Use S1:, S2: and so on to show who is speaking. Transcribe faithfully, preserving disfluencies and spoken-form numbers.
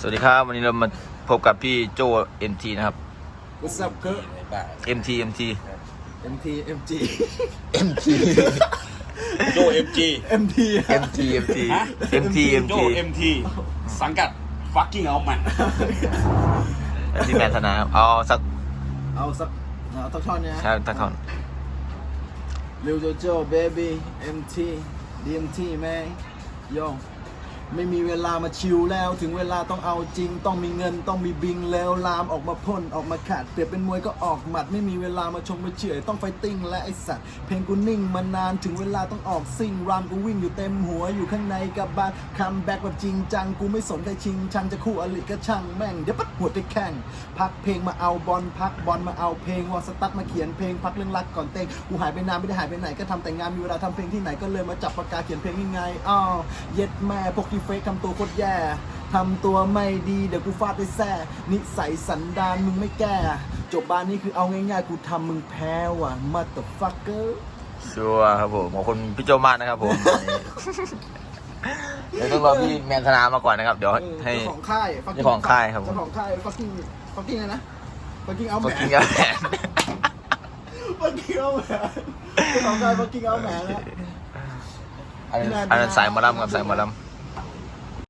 S1: สวัสดีครับวันนี้เรามาพบกับพี่โจ เอ็ม ที นะครับ
S2: What's up เกอร์
S1: เอ็ม ที เอ็ม ที
S2: เอ็ม ที เอ็ม จี
S1: เอ็ม ที
S3: โจ เอ็ม จี
S2: เอ็ม ที
S1: เอ็ม ที เอ็ม ที
S3: ฮะ
S1: เอ็ม ที เอ็ม
S3: โจ
S1: ที
S3: เอ็ม ที สังกัด fucking เอามัน
S1: พี่แมนธนาครับเอาสัก
S2: เอาสักเอาสักท่อนเนี้ย
S1: ใช่สักท่อน
S2: เร็วโจโจเบบี้ เอ็ม ที ดี เอ็ม ที แม่โยไม่มีเวลามาชิลแล้วถึงเวลาต้องเอาจริงต้องมีเงินต้องมีบิงแล้วลามออกมาพ่นออกมาขาดเปรียบเป็นมวยก็ออกหมัดไม่มีเวลามาชงมาเฉื่อยต้องไฟติ้งและไอสัตว์เพลงกูนิ่งมานานถึงเวลาต้องออกซิ่งรามกูวิ่งอยู่เต็มหัวอยู่ข้างในกับบานคัมแบ็กแบบจริงจังกูไม่สนใครชิงชังจะคู่อลิก็ช่างแม่งเดี๋ยวปัดหัวไปแข่งพักเพลงมาเอาบอลพักบอลมาเอาเพลงวอลสตั๊ดมาเขียนเพลงพักเรื่องรักก่อนเต้งกูหายไปนานไม่ได้หายไปไหนก็ทำแต่งานมีเวลาทำเพลงที่ไหนก็เลยมาจับปากกาเขียนเพลงยังไงอ้าวเย็ดแม่พวกที่เฟซทำตัวโคตรแย่ทำตัวไม่ดีเดี๋ยวกูฟาดด้วยแซ่นิสัยสันดานมึงไม่แก้จบบ้านนี้คือเอาง่ายๆกูทำมึงแพ้ว่ะ motherfucker
S1: ชัวร์ครับผมขอบคุณพี่โจมากนะครับผมเดี๋ยวต้องรอพี่แมนธนามาก่อนนะครับเดี๋ยวให้
S2: เจ้าของค่าย fucking
S1: เจ้าของค่ายครับผม
S2: เจ้าของค่าย fucking fucking อะไรนะ fucking เอาแหม
S1: ก็กินกันแหน
S2: fucking เอาแหมเจ้าของค่าย fucking เอาแหมนะ
S1: อันนั้นอันนั้นสายหมอลำกับสายหมอลำ